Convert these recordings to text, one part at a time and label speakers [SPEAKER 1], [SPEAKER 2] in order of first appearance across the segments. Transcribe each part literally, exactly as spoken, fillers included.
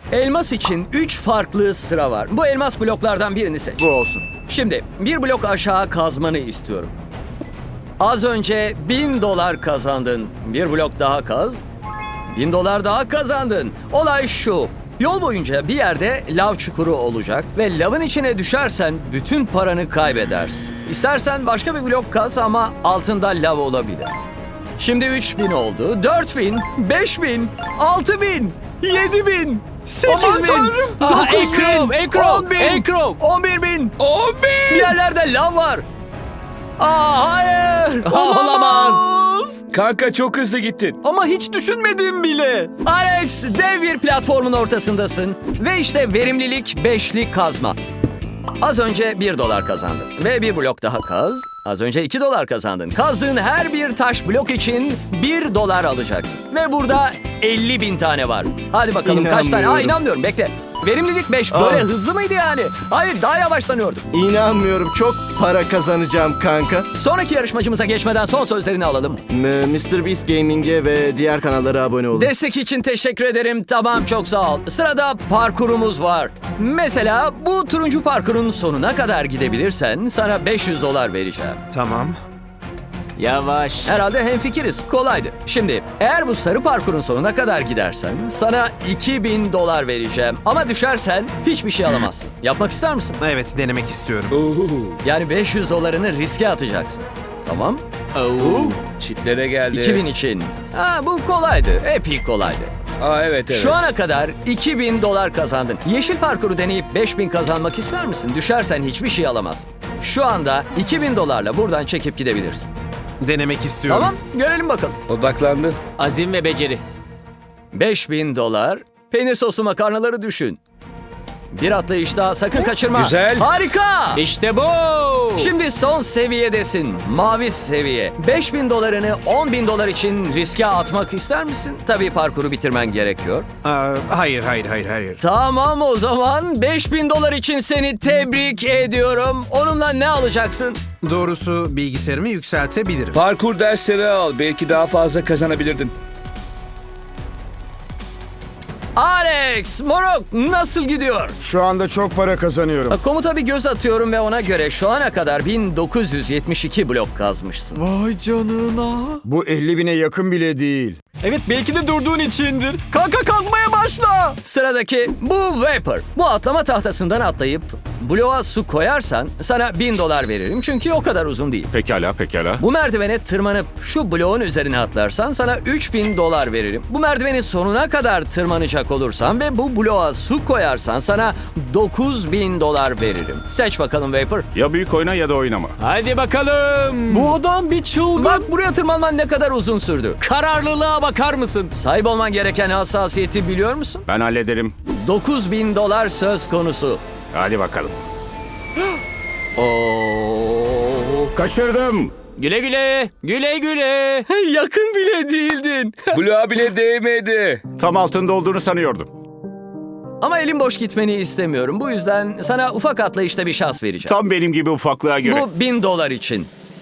[SPEAKER 1] Elmas için üç farklı sıra var. Bu elmas bloklardan birini seç.
[SPEAKER 2] Bu olsun.
[SPEAKER 1] Şimdi bir blok aşağı kazmanı istiyorum. Az önce bin dolar kazandın. Bir blok daha kaz. Bin dolar daha kazandın. Olay şu. Yol boyunca bir yerde lav çukuru olacak ve lavın içine düşersen bütün paranı kaybedersin. İstersen başka bir blok kaz ama altında lav olabilir. Şimdi üç bin oldu, dört bin, beş bin, altı bin, yedi bin, sekiz bin,
[SPEAKER 3] Aha,
[SPEAKER 1] dokuz
[SPEAKER 3] Ekrom,
[SPEAKER 1] bin,
[SPEAKER 3] Ekrom,
[SPEAKER 1] on bin,
[SPEAKER 3] Ekrom.
[SPEAKER 1] on bir bin.
[SPEAKER 3] on bin!
[SPEAKER 1] Bir yerlerde lav var. Aa hayır.
[SPEAKER 3] Olamaz.
[SPEAKER 2] Kanka çok hızlı gittin.
[SPEAKER 1] Ama hiç düşünmedim bile. Alex, dev bir platformun ortasındasın. Ve işte verimlilik beşli kazma. Az önce bir dolar kazandın. Ve bir blok daha kaz. Az önce iki dolar kazandın. Kazdığın her bir taş blok için bir dolar alacaksın. Ve burada elli bin tane var. Hadi bakalım kaç tane? Aa
[SPEAKER 4] İnanmıyorum.
[SPEAKER 1] inanmıyorum, bekle. Verimlilik beş. Böyle
[SPEAKER 4] Aa.
[SPEAKER 1] hızlı mıydı yani? Hayır, daha yavaş sanıyordum.
[SPEAKER 4] İnanmıyorum. Çok para kazanacağım kanka.
[SPEAKER 1] Sonraki yarışmacımıza geçmeden son sözlerini alalım.
[SPEAKER 4] M- mister Beast Gaming'e ve diğer kanallara abone olun.
[SPEAKER 1] Destek için teşekkür ederim. Tamam, çok sağ ol. Sırada parkurumuz var. Mesela bu turuncu parkurun sonuna kadar gidebilirsen sana beş yüz dolar vereceğim.
[SPEAKER 2] Tamam.
[SPEAKER 3] Yavaş.
[SPEAKER 1] Herhalde hemfikiriz. Kolaydı. Şimdi eğer bu sarı parkurun sonuna kadar gidersen sana iki bin dolar vereceğim. Ama düşersen hiçbir şey alamazsın. Yapmak ister misin?
[SPEAKER 5] Evet, denemek istiyorum.
[SPEAKER 1] Yani beş yüz dolarını riske atacaksın. Tamam.
[SPEAKER 3] Oo.
[SPEAKER 2] Çitlere geldi.
[SPEAKER 1] iki bin için. Ha, bu kolaydı. Epey kolaydı.
[SPEAKER 2] Aa evet evet.
[SPEAKER 1] Şu ana kadar iki bin dolar kazandın. Yeşil parkuru deneyip beş bin kazanmak ister misin? Düşersen hiçbir şey alamazsın. Şu anda iki bin dolarla buradan çekip gidebilirsin.
[SPEAKER 5] Denemek istiyorum.
[SPEAKER 1] Tamam, görelim bakalım.
[SPEAKER 2] Odaklandı.
[SPEAKER 3] Azim ve beceri.
[SPEAKER 1] beş bin dolar. Peynir soslu makarnaları düşün. Bir atlayışta sakın kaçırma.
[SPEAKER 2] Güzel.
[SPEAKER 1] Harika.
[SPEAKER 3] İşte bu.
[SPEAKER 1] Şimdi son seviyedesin. Mavi seviye. beş bin dolarını on bin dolar için riske atmak ister misin? Tabii parkuru bitirmen gerekiyor.
[SPEAKER 5] Aa, hayır, hayır, hayır, hayır.
[SPEAKER 1] Tamam, o zaman beş bin dolar için seni tebrik ediyorum. Onunla ne alacaksın?
[SPEAKER 5] Doğrusu bilgisayarımı yükseltebilirim.
[SPEAKER 2] Parkur dersleri al. Belki daha fazla kazanabilirdin.
[SPEAKER 1] Alex, moruk nasıl gidiyor?
[SPEAKER 6] Şu anda çok para kazanıyorum.
[SPEAKER 1] Komuta bir göz atıyorum ve ona göre şu ana kadar bin dokuz yüz yetmiş iki blok kazmışsın.
[SPEAKER 4] Vay canına.
[SPEAKER 6] Bu elli bine yakın bile değil.
[SPEAKER 4] Evet, belki de durduğun içindir. Kanka kazmaya başla.
[SPEAKER 1] Sıradaki bu Vapor. Bu atlama tahtasından atlayıp bloğa su koyarsan sana bin dolar veririm çünkü o kadar uzun değil.
[SPEAKER 7] Pekala, pekala.
[SPEAKER 1] Bu merdivene tırmanıp şu bloğun üzerine atlarsan sana üç bin dolar veririm. Bu merdivenin sonuna kadar tırmanacak olursan ve bu bloğa su koyarsan sana dokuz bin dolar veririm. Seç bakalım Vapor.
[SPEAKER 7] Ya büyük oyna ya da oynama.
[SPEAKER 3] Hadi bakalım.
[SPEAKER 4] Bu adam bir çılgın.
[SPEAKER 1] Bak, buraya tırmanman ne kadar uzun sürdü.
[SPEAKER 3] Kararlılığa bakar mısın?
[SPEAKER 1] Sahip olman gereken hassasiyeti biliyor musun?
[SPEAKER 7] Ben hallederim.
[SPEAKER 1] dokuz bin dolar söz konusu.
[SPEAKER 7] Hadi bakalım.
[SPEAKER 1] Oo.
[SPEAKER 7] Kaçırdım.
[SPEAKER 3] Güle güle. Güle güle.
[SPEAKER 1] Yakın bile değildin.
[SPEAKER 2] Bloğa bile değmedi.
[SPEAKER 7] Tam altında olduğunu sanıyordum.
[SPEAKER 1] Ama elim boş gitmeni istemiyorum. Bu yüzden sana ufak atlayışta bir şans vereceğim.
[SPEAKER 7] Tam benim gibi ufaklığa göre.
[SPEAKER 1] Bu bin dolar için.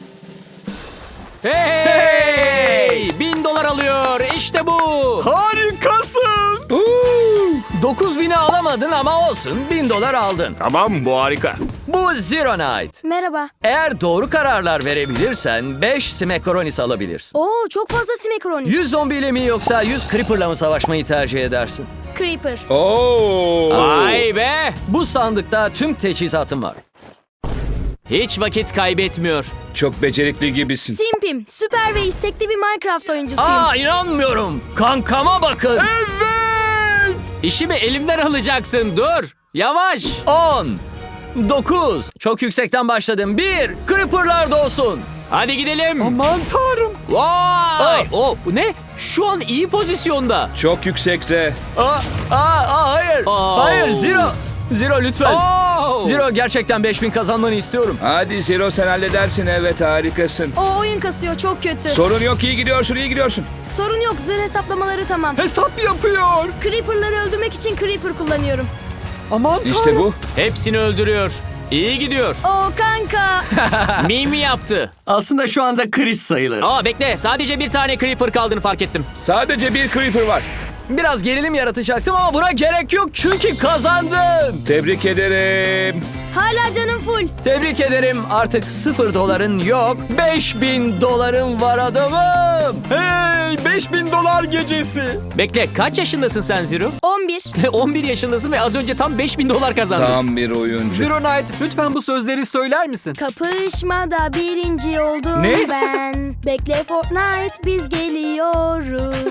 [SPEAKER 3] Hey! Bin dolar alıyor. İşte bu.
[SPEAKER 4] Harikasın.
[SPEAKER 1] dokuz bini alamadın ama olsun. Bin dolar aldın.
[SPEAKER 7] Tamam, bu harika.
[SPEAKER 1] Bu Zero Night.
[SPEAKER 8] Merhaba.
[SPEAKER 1] Eğer doğru kararlar verebilirsen beş Smekronis alabilirsin.
[SPEAKER 8] Oo, çok fazla simekronis.
[SPEAKER 1] yüz zombiyle mi yoksa yüz Creeper'la mı savaşmayı tercih edersin?
[SPEAKER 8] Creeper.
[SPEAKER 2] Oo.
[SPEAKER 3] Vay be.
[SPEAKER 1] Bu sandıkta tüm teçhizatım var.
[SPEAKER 3] Hiç vakit kaybetmiyor.
[SPEAKER 2] Çok becerikli gibisin.
[SPEAKER 8] Simpim. Süper ve istekli bir Minecraft oyuncusuyum.
[SPEAKER 1] Aa, inanmıyorum. Kankama bakın.
[SPEAKER 3] İşimi elimden alacaksın. Dur. Yavaş.
[SPEAKER 1] on, dokuz. Çok yüksekten başladım. bir. Creeper'lar dolsun.
[SPEAKER 3] Hadi gidelim.
[SPEAKER 4] Aman tanrım.
[SPEAKER 3] Vay.
[SPEAKER 1] Ay.
[SPEAKER 3] O ne? Şu an iyi pozisyonda.
[SPEAKER 2] Çok yüksekte.
[SPEAKER 1] Aa, aa, aa hayır.
[SPEAKER 3] Oo.
[SPEAKER 1] Hayır, Zero. Zero lütfen.
[SPEAKER 3] Oo.
[SPEAKER 1] Zero, gerçekten beş bin kazanmanı istiyorum.
[SPEAKER 2] Hadi Zero, sen halledersin. Evet, harikasın.
[SPEAKER 8] O oyun kasıyor, çok kötü.
[SPEAKER 2] Sorun yok, iyi gidiyorsun, iyi gidiyorsun.
[SPEAKER 8] Sorun yok, zırh hesaplamaları tamam.
[SPEAKER 4] Hesap yapıyor.
[SPEAKER 8] Creeper'ları öldürmek için Creeper kullanıyorum.
[SPEAKER 4] Aman tanrım.
[SPEAKER 2] İşte bu.
[SPEAKER 3] Hepsini öldürüyor. İyi gidiyor.
[SPEAKER 8] Oo kanka.
[SPEAKER 3] Mimi yaptı.
[SPEAKER 1] Aslında şu anda kriz sayılır.
[SPEAKER 3] Aa bekle. Sadece bir tane Creeper kaldığını fark ettim.
[SPEAKER 2] Sadece bir Creeper var.
[SPEAKER 1] Biraz gerilim yaratacaktım ama buna gerek yok çünkü kazandın.
[SPEAKER 2] Tebrik ederim.
[SPEAKER 8] Hala canım full.
[SPEAKER 1] Tebrik ederim. Artık sıfır doların yok. beş bin doların var adamım.
[SPEAKER 4] Hey, beş bin dolar gecesi.
[SPEAKER 3] Bekle, kaç yaşındasın sen Zero?
[SPEAKER 8] on bir.
[SPEAKER 3] on bir yaşındasın ve az önce tam beş bin dolar kazandın.
[SPEAKER 2] Tam bir oyuncu.
[SPEAKER 4] Zero Night, lütfen bu sözleri söyler misin?
[SPEAKER 8] Kapışmada birinci oldum
[SPEAKER 2] Ne?
[SPEAKER 8] ben. Bekle Fortnite, biz geliyoruz.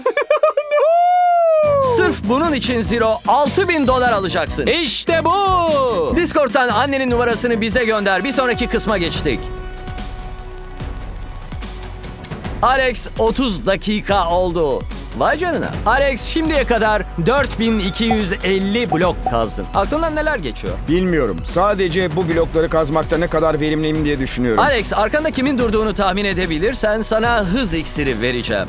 [SPEAKER 1] Sırf bunun için Zero altı bin dolar alacaksın.
[SPEAKER 3] İşte bu.
[SPEAKER 1] Discord'dan annenin numarasını bize gönder. Bir sonraki kısma geçtik. Alex otuz dakika oldu. Vay canına. Alex şimdiye kadar dört bin iki yüz elli blok kazdın. Aklından neler geçiyor?
[SPEAKER 6] Bilmiyorum. Sadece bu blokları kazmakta ne kadar verimliyim diye düşünüyorum.
[SPEAKER 1] Alex, arkanda kimin durduğunu tahmin edebilirsen sana hız iksiri vereceğim.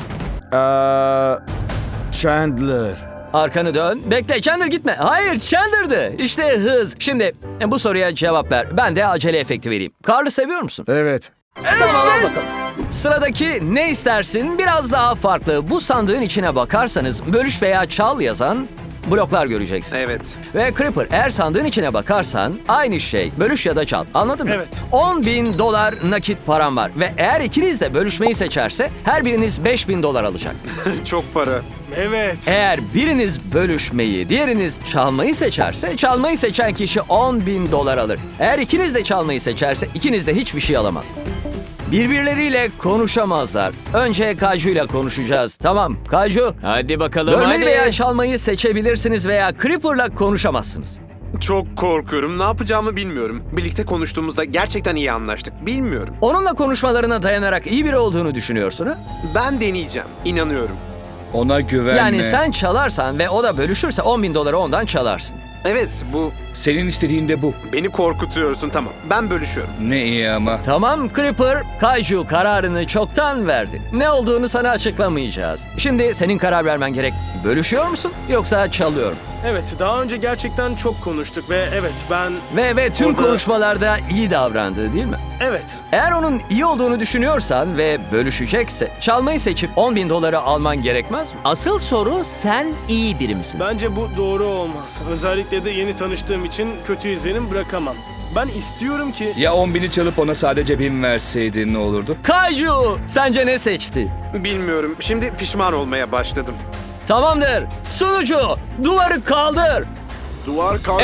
[SPEAKER 6] Eee... Chandler.
[SPEAKER 1] Arkanı dön. Bekle, Chandler gitme. Hayır, Chandler'dı. İşte hız. Şimdi e, bu soruya cevap ver. Ben de acele efekti vereyim. Carl'ı seviyor musun?
[SPEAKER 6] Evet.
[SPEAKER 1] Tamam, al bakalım. Sıradaki ne istersin biraz daha farklı. Bu sandığın içine bakarsanız bölüş veya çal yazan bloklar göreceksin.
[SPEAKER 5] Evet.
[SPEAKER 1] Ve Creeper, eğer sandığın içine bakarsan aynı şey. Bölüş ya da çal. Anladın mı?
[SPEAKER 4] Evet.
[SPEAKER 1] on bin dolar nakit param var. Ve eğer ikiniz de bölüşmeyi seçerse her biriniz beş bin dolar alacak.
[SPEAKER 5] Çok para.
[SPEAKER 4] Evet.
[SPEAKER 1] Eğer biriniz bölüşmeyi, diğeriniz çalmayı seçerse çalmayı seçen kişi on bin dolar alır. Eğer ikiniz de çalmayı seçerse ikiniz de hiçbir şey alamaz. Birbirleriyle konuşamazlar. Önce Kaju'yla konuşacağız. Tamam, Kaju.
[SPEAKER 3] Hadi bakalım
[SPEAKER 1] Bölmeyi
[SPEAKER 3] hadi.
[SPEAKER 1] veya çalmayı seçebilirsiniz veya Creeper'la konuşamazsınız.
[SPEAKER 5] Çok korkuyorum. Ne yapacağımı bilmiyorum. Birlikte konuştuğumuzda gerçekten iyi anlaştık. Bilmiyorum.
[SPEAKER 1] Onunla konuşmalarına dayanarak iyi biri olduğunu düşünüyorsun ha?
[SPEAKER 5] Ben deneyeceğim. İnanıyorum.
[SPEAKER 2] Ona güvenme.
[SPEAKER 1] Yani sen çalarsan ve o da bölüşürse on bin doları ondan çalarsın.
[SPEAKER 5] Evet, bu
[SPEAKER 2] Senin istediğin de bu.
[SPEAKER 5] beni korkutuyorsun. Tamam. Ben bölüşüyorum.
[SPEAKER 2] Ne iyi ama.
[SPEAKER 1] Tamam Creeper, Kaiju kararını çoktan verdi. Ne olduğunu sana açıklamayacağız. Şimdi senin karar vermen gerek. Bölüşüyor musun yoksa çalıyorum?
[SPEAKER 9] Evet, daha önce gerçekten çok konuştuk ve evet ben...
[SPEAKER 1] Ve ve tüm
[SPEAKER 9] Orada-
[SPEAKER 1] konuşmalarda iyi davrandı değil mi?
[SPEAKER 9] Evet,
[SPEAKER 1] Eğer onun iyi olduğunu düşünüyorsan ve bölüşecekse çalmayı seçip on bin doları alman gerekmez mi?
[SPEAKER 3] Asıl soru sen iyi biri misin?
[SPEAKER 9] bence bu doğru olmaz. Özellikle de yeni tanıştığım için kötü izlenim bırakamam. Ben istiyorum ki...
[SPEAKER 2] Ya on bini çalıp ona sadece bin verseydin ne olurdu?
[SPEAKER 1] Kaiju sence ne seçti?
[SPEAKER 5] Bilmiyorum. Şimdi pişman olmaya başladım.
[SPEAKER 1] Tamamdır. Sunucu duvarı kaldır.
[SPEAKER 5] Duvar kalktı.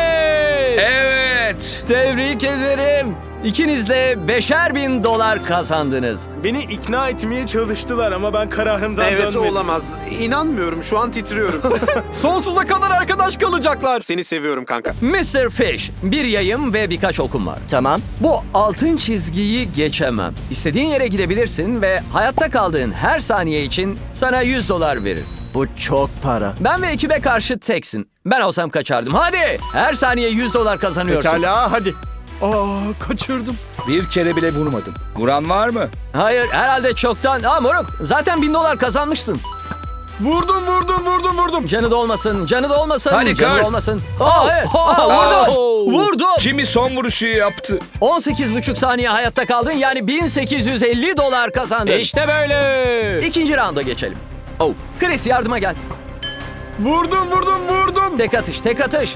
[SPEAKER 3] Evet.
[SPEAKER 2] Evet.
[SPEAKER 1] Tebrik ederim. İkiniz de beşer bin dolar kazandınız.
[SPEAKER 9] Beni ikna etmeye çalıştılar ama ben kararımdan
[SPEAKER 5] Evet,
[SPEAKER 9] dönmedim.
[SPEAKER 5] olamaz. İnanmıyorum. Şu an titriyorum.
[SPEAKER 4] Sonsuza kadar arkadaş kalacaklar.
[SPEAKER 5] Seni seviyorum kanka.
[SPEAKER 1] mister Fish, bir yayım ve birkaç okum var.
[SPEAKER 3] Tamam.
[SPEAKER 1] Bu altın çizgiyi geçemem. İstediğin yere gidebilirsin ve hayatta kaldığın her saniye için sana yüz dolar verir.
[SPEAKER 4] Bu çok para.
[SPEAKER 1] Ben ve ekibe karşı teksin. Ben olsam kaçardım. Hadi! Her saniye yüz dolar kazanıyorsun.
[SPEAKER 4] Pekala hadi. Aa, kaçırdım.
[SPEAKER 2] Bir kere bile vurmadım. Vuran var mı?
[SPEAKER 1] Hayır, herhalde çoktan. Aa moruk, zaten bin dolar kazanmışsın.
[SPEAKER 4] Vurdum vurdum vurdum vurdum.
[SPEAKER 1] Canı da olmasın, canı da olmasın,
[SPEAKER 2] Hadi
[SPEAKER 1] canı
[SPEAKER 2] Carl.
[SPEAKER 1] da olmasın. Aa, hayır. Aa, vurdum, vurdum.
[SPEAKER 2] Jimmy son vuruşu yaptı.
[SPEAKER 1] on sekiz buçuk saniye hayatta kaldın, yani bin sekiz yüz elli dolar kazandın.
[SPEAKER 3] İşte böyle.
[SPEAKER 1] İkinci rounda geçelim. Oh, Chris yardıma gel.
[SPEAKER 4] Vurdum vurdum vurdum.
[SPEAKER 1] Tek atış, tek atış.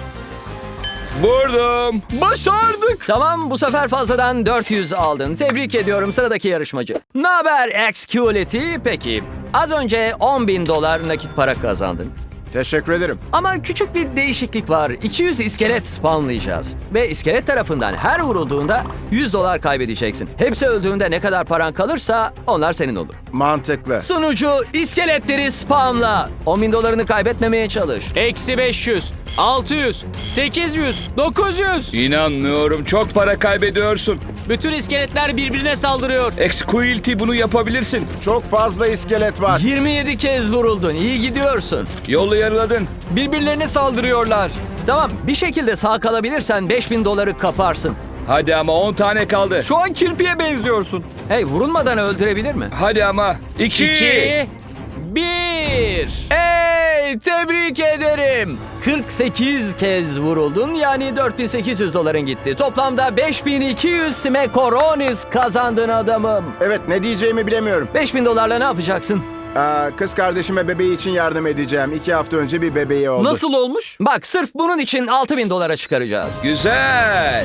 [SPEAKER 2] Vurdum.
[SPEAKER 4] Başardık.
[SPEAKER 1] Tamam, bu sefer fazladan dört yüz aldın. Tebrik ediyorum sıradaki yarışmacı. Naber Exculity? Peki, az önce on bin dolar nakit para kazandın.
[SPEAKER 6] Teşekkür ederim.
[SPEAKER 1] Ama küçük bir değişiklik var. iki yüz iskelet spawnlayacağız. Ve iskelet tarafından her vurulduğunda yüz dolar kaybedeceksin. Hepsi öldüğünde ne kadar paran kalırsa onlar senin olur.
[SPEAKER 6] Mantıklı.
[SPEAKER 1] Sunucu iskeletleri spamla. on bin dolarını kaybetmemeye çalış.
[SPEAKER 3] Eksi beş yüz, altı yüz, sekiz yüz, dokuz yüz.
[SPEAKER 2] İnanmıyorum. Çok para kaybediyorsun.
[SPEAKER 3] Bütün iskeletler birbirine saldırıyor.
[SPEAKER 2] Exquilty bunu yapabilirsin.
[SPEAKER 6] Çok fazla iskelet var.
[SPEAKER 1] yirmi yedi kez vuruldun. İyi gidiyorsun.
[SPEAKER 2] Yolu yarıladın.
[SPEAKER 4] Birbirlerine saldırıyorlar.
[SPEAKER 1] Tamam, bir şekilde sağ kalabilirsen beş bin doları kaparsın.
[SPEAKER 2] Hadi ama on tane kaldı.
[SPEAKER 4] Şu an kirpiye benziyorsun.
[SPEAKER 1] Hey, vurulmadan öldürebilir mi?
[SPEAKER 2] Hadi ama. İki.
[SPEAKER 3] İki, bir.
[SPEAKER 1] Hey, tebrik ederim. kırk sekiz kez vuruldun, yani dört bin sekiz yüz doların gitti. Toplamda beş bin iki yüz smekoronis kazandın adamım.
[SPEAKER 6] Evet, ne diyeceğimi bilemiyorum.
[SPEAKER 1] beş bin dolarla ne yapacaksın?
[SPEAKER 6] Aa, kız kardeşime bebeği için yardım edeceğim. İki hafta önce bir bebeği oldu.
[SPEAKER 4] Nasıl olmuş?
[SPEAKER 1] Bak sırf bunun için altı bin dolara çıkaracağız.
[SPEAKER 2] Güzel.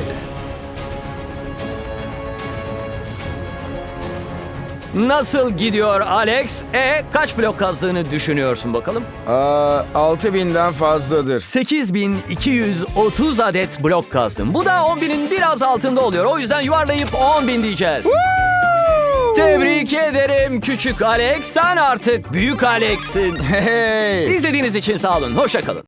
[SPEAKER 1] Nasıl gidiyor Alex? E kaç blok kazdığını düşünüyorsun bakalım?
[SPEAKER 6] Aa, altı binden fazladır.
[SPEAKER 1] sekiz bin iki yüz otuz adet blok kazdım. Bu da on binin biraz altında oluyor. O yüzden yuvarlayıp on bin diyeceğiz. Tebrik ederim küçük Alex. Sen artık büyük Alex'sin.
[SPEAKER 6] Hey!
[SPEAKER 1] İzlediğiniz için sağ olun. Hoşça kalın.